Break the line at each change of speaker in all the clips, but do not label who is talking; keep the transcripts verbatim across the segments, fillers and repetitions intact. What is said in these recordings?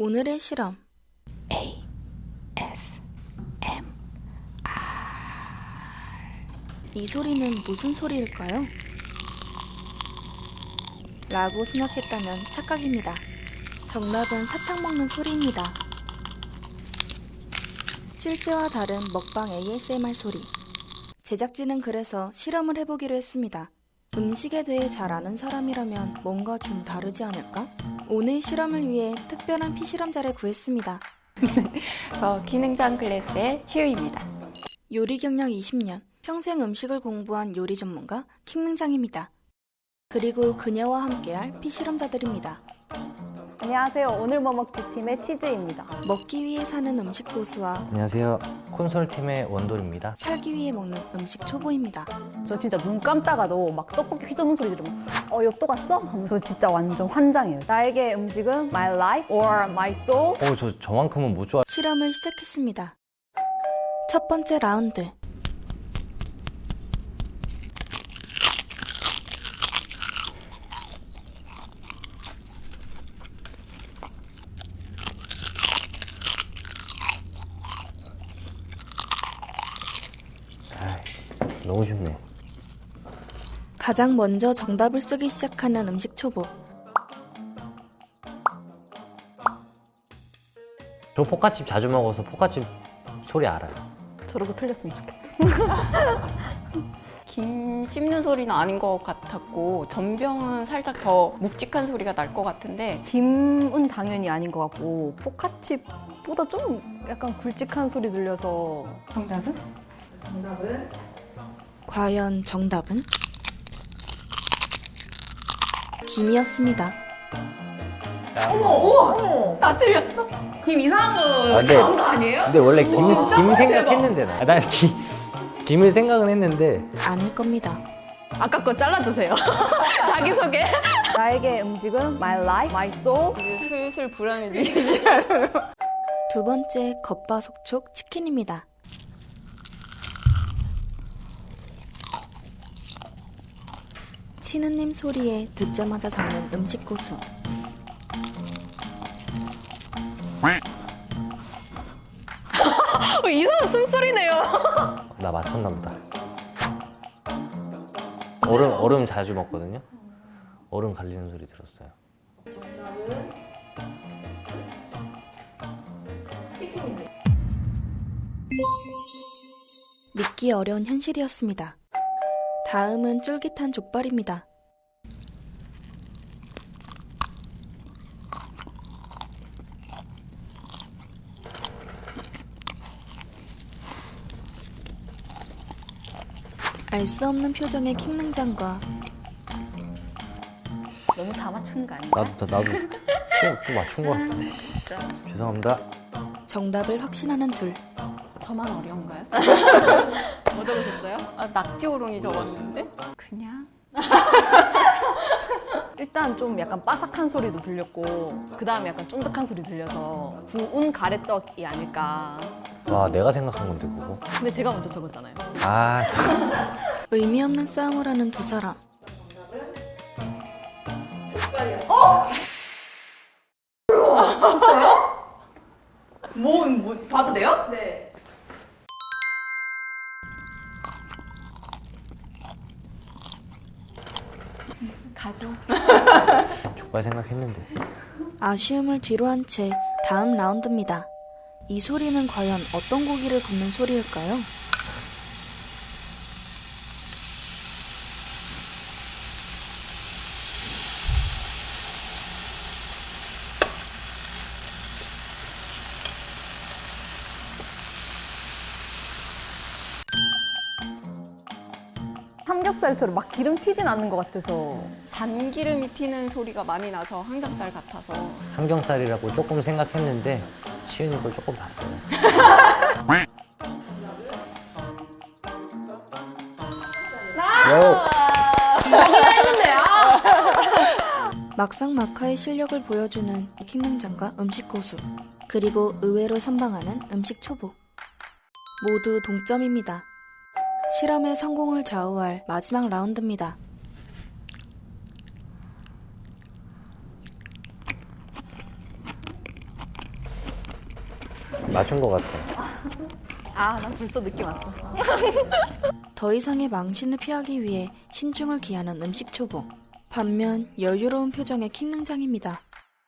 오늘의 실험 에이 에스 엠 알 이 소리는 무슨 소리일까요? 라고 생각했다면 착각입니다. 정답은 사탕 먹는 소리입니다. 실제와 다른 먹방 에이에스엠알 소리. 제작진은 그래서 실험을 해보기로 했습니다. 음식에 대해 잘 아는 사람이라면 뭔가 좀 다르지 않을까? 오늘 실험을 위해 특별한 피실험자를 구했습니다.
저 기능장 클래스의 치유입니다.
요리 경력 이십 년, 평생 음식을 공부한 요리 전문가 킹능장입니다. 그리고 그녀와 함께할 피실험자들입니다.
안녕하세요. 오늘 뭐 먹지 팀의 치즈입니다.
먹기 위해 사는 음식 고수와
안녕하세요. 콘솔팀의 원돌입니다.
살기 위해 먹는 음식 초보입니다.
저 진짜 눈 감다가도 막 떡볶이 휘저는 소리 들으면 어, 이거 또 갔어? 하면서 진짜 완전 환장해요. 나에게 음식은 my life or my soul.
어, 저 저만큼은 못 좋아.
실험을 시작했습니다. 첫 번째 라운드.
아이, 너무 쉽네.
가장 먼저 정답을 쓰기 시작하는 음식 초보.
저 포카칩 자주 먹어서 포카칩 소리 알아요.
저러고 틀렸으면 좋겠다.
김 씹는 소리는 아닌 것 같았고 전병은 살짝 더 묵직한 소리가 날 것 같은데
김은 당연히 아닌 것 같고 포카칩보다 좀 약간 굵직한 소리 들려서
정답은?
과연 정답은? 김이었습니다.
다 틀렸어?
김 이상한 거
아, 근데-
나온 거 아니에요?
근데 원래 김, 김 생각했는데 나. 아, 난 김, 김을 생각은 했는데
아닐 겁니다.
아까 거 잘라주세요. 자기소개. 나에게 음식은 my life, my soul.
이제 슬슬 불안해지기 시작.
두 번째 겉바속촉 치킨입니다. 치느님 소리에 듣자마자 잡는 음식 고수.
어, 이상한 숨소리네요.
나 맞췄나 보다. 얼음 얼음 자주 먹거든요. 얼음 갈리는 소리 들었어요.
믿기 어려운 현실이었습니다. 다음은 쫄깃한 족발입니다. 알 수 없는 표정의 킹능장과
너무 다 맞춘 거 아닌가?
나도 나도 또, 또 맞춘 것 같은데. 죄송합니다.
정답을 확신하는 둘.
저만 어려운가요?
뭐 적으셨어요?
아, 낙지오롱이 적었는데? 그냥?
일단 좀 약간 바삭한 소리도 들렸고 그 다음에 약간 쫀득한 소리 들려서 구운 가래떡이 아닐까.
와, 내가 생각한 건데 그거.
근데 제가 먼저 적었잖아요.
아,
의미 없는 싸움을 하는 두 사람.
뭐, 뭐 봐도 돼요?
네. 가죠.
족발 생각했는데.
아쉬움을 뒤로한 채 다음 라운드입니다. 이 소리는 과연 어떤 고기를 굽는 소리일까요?
삼겹살처럼 막 기름 튀진 않는 것 같아서.
잔기름이 튀는 소리가 많이 나서 항정살 같아서
삼겹살이라고 조금 생각했는데 치우는 걸 조금 봤어요. 요.
막상 막하의 실력을 보여주는 킹능장과 음식 고수, 그리고 의외로 선방하는 음식 초보. 모두 동점입니다. 실험의 성공을 좌우할 마지막 라운드입니다.
맞춘 것 같아.
아, 난 벌써 느낌 왔어.
더 이상의 망신을 피하기 위해 신중을 기하는 음식 초보. 반면 여유로운 표정의 킹능장입니다.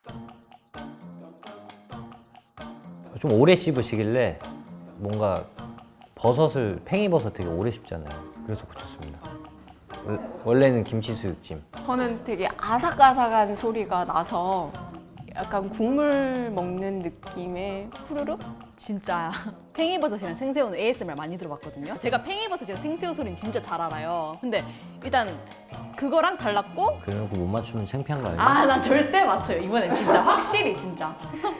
좀 오래 씹으시길래 뭔가 버섯을 팽이버섯 되게 오래 씹잖아요. 그래서 고쳤습니다. 원- 원래는 김치 수육찜.
저는 되게 아삭아삭한 소리가 나서 약간 국물 먹는 느낌의 후루룩?
진짜 팽이버섯이랑 생새우는 에이에스엠알 많이 들어봤거든요. 제가 팽이버섯이랑 생새우 소리는 진짜 잘 알아요. 근데 일단 그거랑 달랐고
그래놓고 못 맞추면 창피한 거 아니에요?
아, 난 절대 맞춰요. 이번엔 진짜 확실히 진짜.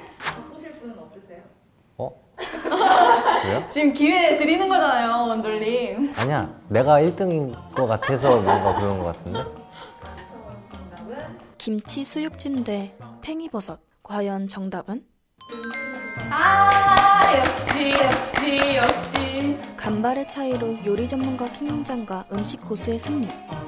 어? 그래요?
지금 기회 드리는 거잖아요, 원돌님.
아니야. 내가 일 등인 것 같아서 뭔가 그런 것 같은데?
김치 수육찜 대 팽이버섯. 과연 정답은?
아, 역시 역시 역시.
간발의 차이로 요리 전문가 킹능장과 음식 고수의 승리.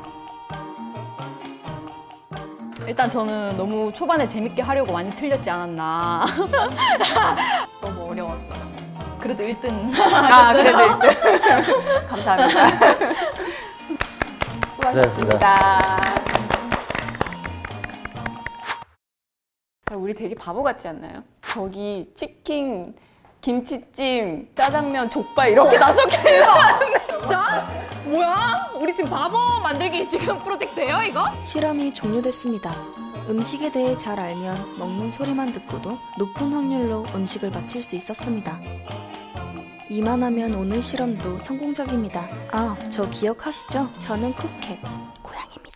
일단 저는 너무 초반에 재밌게 하려고 많이 틀렸지 않았나.
너무 어려웠어요.
그래도 일 등
아, 그래도 일 등. 감사합니다. 수고하셨습니다. 자, 우리 되게 바보 같지 않나요? 저기 치킨, 김치찜, 짜장면, 족발 이렇게 다섯 개
진짜? 뭐야? 우리 지금 바보 만들기 지금 프로젝트예요, 이거?
실험이 종료됐습니다. 음식에 대해 잘 알면 먹는 소리만 듣고도 높은 확률로 음식을 맞힐 수 있었습니다. 이만하면 오늘 실험도 성공적입니다. 아, 저 기억하시죠? 저는 쿠켓, 고양입니다.